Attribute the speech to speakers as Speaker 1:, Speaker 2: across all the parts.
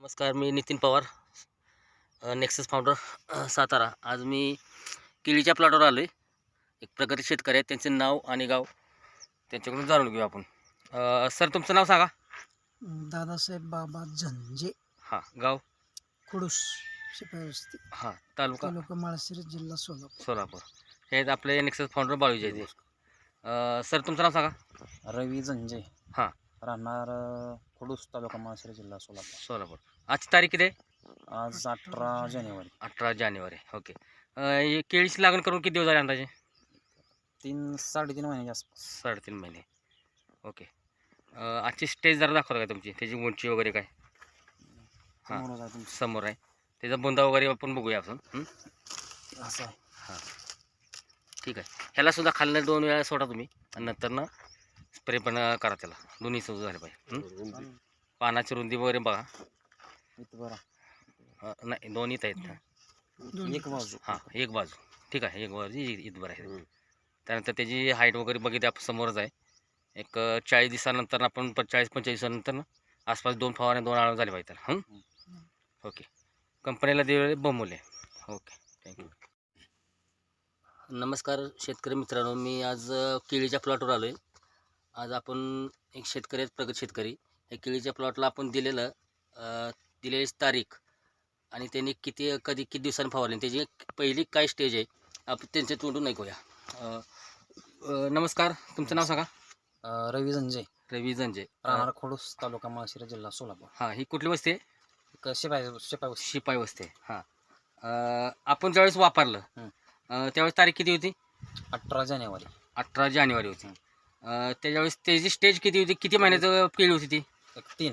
Speaker 1: नमस्कार, मी Nitin Pawar, Nexus founder, Satara. आज मी केळीच्या प्लॉटवर आलो आहे. एक प्रगती शेतकरी आहेत, त्यांचे नाव आणि गाव त्यांच्याकडून जाणून घेऊ आपण. सर, तुमचं नाव सांगा.
Speaker 2: दादासाहेब बाबा झंजे,
Speaker 1: हां, गाव
Speaker 2: खुडूस, शिपाई
Speaker 1: हां, तालुका
Speaker 2: तालुका माळशिरस, जिल्हा सोलापूर.
Speaker 1: सोलापूर. हे आहेत आपले नेक्सस फाउंडर बाळूजी आहेत. सर, तुमचं नाव सांगा.
Speaker 3: रवी झंजे,
Speaker 1: हां,
Speaker 3: राहणार खुडूस, तालुका माळशिरस, जिल्हा सोलापूर.
Speaker 1: सोलापूर. आजची तारीख किती आहे?
Speaker 3: आज 18 जानेवारी.
Speaker 1: 18 जानेवारी. ओके. हे केळीची लागण करून किती दिवस झाले अंदाजे?
Speaker 3: 3-3.5 महिन्याच्या आसपास.
Speaker 1: 3.5 महिने. ओके. आजची स्टेज जरा दाखवता का तुमची, त्याची उंची वगैरे काय? हां,
Speaker 3: समोरच आहे तुमचं.
Speaker 1: समोर आहे. त्याचा बुंदा वगैरे आपण बघूया आपण.
Speaker 3: असं आहे.
Speaker 1: हां, ठीक आहे. ह्याला सुद्धा खालनं 2 वेळा सोडा तुम्ही आणि नंतर ना स्प्रे पण करा त्याला. दोन्ही सुद्धा झाले पाहिजे. पानाची रुंदी वगैरे बघा.
Speaker 3: इथं बरं.
Speaker 1: नाही, दोन्हीच आहेत.
Speaker 3: एक बाजू.
Speaker 1: हां, एक बाजू. ठीक आहे, एक बाजू इथवर आहे. त्यानंतर त्याची हाईट वगैरे बघितली आपण, समोरच आहे. एक 40 दिवसानंतर आपण 40-45 दिवसानंतर ना आसपास 2 फवारण्या 2 आळवण झाले पाहिजे त्याला. ओके. कंपनीला दिलेले बहुमूल्य. Okay, thank you. नमस्कार शेतकरी मित्रांनो, मी आज केळीच्या प्लॉटवर आलो आहे. आज आपण एक शेतकरी आहेत, प्रगत शेतकरी. या केळीच्या प्लॉटला आपण दिलेली तारीख आणि त्यांनी किती दिवसांनी फवारली, त्याची पहिली काय स्टेज आहे, आपण त्यांच्या तोंडून ऐकूया. नमस्कार, तुमचं नाव सांगा.
Speaker 3: रवी झंजे,
Speaker 1: रवी झंजे,
Speaker 3: राहणार खुडूस, तालुका माळशिरस, जिल्हा सोलापूर.
Speaker 1: हां, ही कुठली वस्ती आहे?
Speaker 3: एक शिपाई.
Speaker 1: शिपाई वस्ती आहे. हां, आपण ज्यावेळेस वापरलं त्यावेळेस तारीख किती होती?
Speaker 3: 18 जानेवारी.
Speaker 1: 18 जानेवारी होती. त्याच्यावेळेस त्याची स्टेज किती होती? किती महिन्याचं केळी होती ती?
Speaker 3: एक 3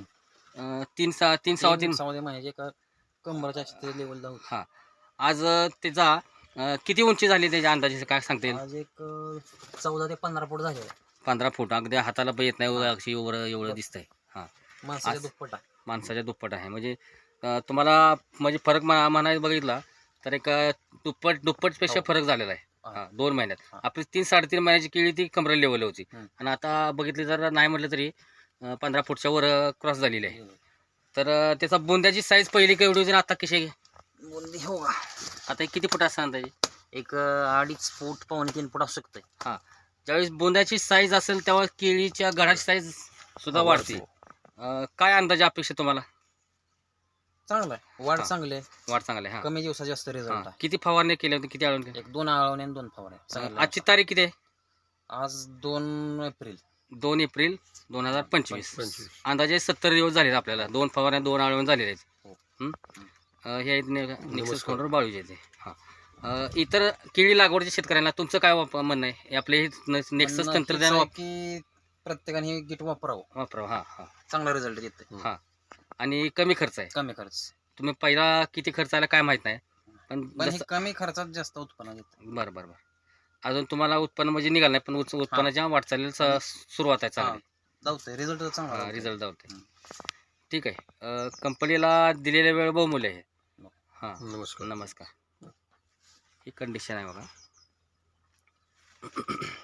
Speaker 1: 3
Speaker 3: महिन्याचे एका कंबरच्या लेवल जाऊ.
Speaker 1: हां, आज त्याचा किती उंची झाली त्याच्या अंदाजे काय सांगता येईल?
Speaker 3: आज एक 14 ते 15 फूट झाले.
Speaker 1: 15 फूट. अगदी हाताला पण येत नाही, अगदी एवढं दिसतंय. हां,
Speaker 3: माणसाच्या दुप्पट आहे.
Speaker 1: माणसाच्या दुप्पट आहे. म्हणजे तुम्हाला म्हणजे फरक म्हणायला बघितला तर एक दुप्पटपेक्षा फरक झालेला आहे. हां, 2 महिन्यात. आपली 3-3.5 महिन्याची केळी ती कमरेला लेवल होती आणि आता बघितली तर नाही म्हटलं तरी 15 फूटच्या वर क्रॉस झालेली आहे. तर त्याचा बुंद्याची साईज पहिली केवढी होती आणि आता कशी आहे?
Speaker 3: बुंदी हो का,
Speaker 1: आता किती फूट असं अंदाजे?
Speaker 3: एक 2.5 फूट, 2.25 फूट असू शकते.
Speaker 1: हां, ज्यावेळेस बुंद्याची साईज असेल तेव्हा केळीच्या घडाची साईज सुद्धा वाढते. काय अंदाजे अपेक्षा तुम्हाला?
Speaker 3: चांगलं आहे, वाढ चांगली आहे,
Speaker 1: वाढ चांगली आहे. हां,
Speaker 3: कमी दिवसात जास्त रिझल्ट आहे.
Speaker 1: किती फवारणी केल्या होती, किती आळवण केली?
Speaker 3: एक 2 आळवणे आणि 2 फवारे.
Speaker 1: आजची तारीख किती आहे?
Speaker 3: आज 2 एप्रिल.
Speaker 1: 2 एप्रिल 2025. अंदाजे 70 दिवस झाले आपल्याला. 2 फवारण्या 2 आळवण झालेले आहेत. हे आहेत नेक्सस फाउंडर बाळूजी आहेत. हां, इतर केळी लागवडच्या शेतकऱ्यांना तुमचं काय म्हणणं आहे? हे आपले नेक्सस तंत्रज्ञान
Speaker 3: की प्रत्येकाने हे किट वापरावं.
Speaker 1: वापरावं. हां हां
Speaker 3: चांगला रिझल्ट येते.
Speaker 1: हां, आणि कमी खर्च आहे.
Speaker 3: कमी खर्च.
Speaker 1: तुम्ही पहिला किती खर्च आला काय माहीत नाही, पण
Speaker 3: हे कमी खर्चात जास्त उत्पन्न देते.
Speaker 1: बरं. अजून तुम्हाला उत्पन्न म्हणजे निघालं नाही, पण उत्पन्नाच्या वाटचालीला सुरुवात आहे चांगली.
Speaker 3: जाऊते रिझल्ट चांगला.
Speaker 1: रिझल्ट जाऊते. ठीक आहे. कंपनीला दिलेला वेळ बहुमूल्य आहे. हां, नमस्कार. ही कंडिशन आहे बघा.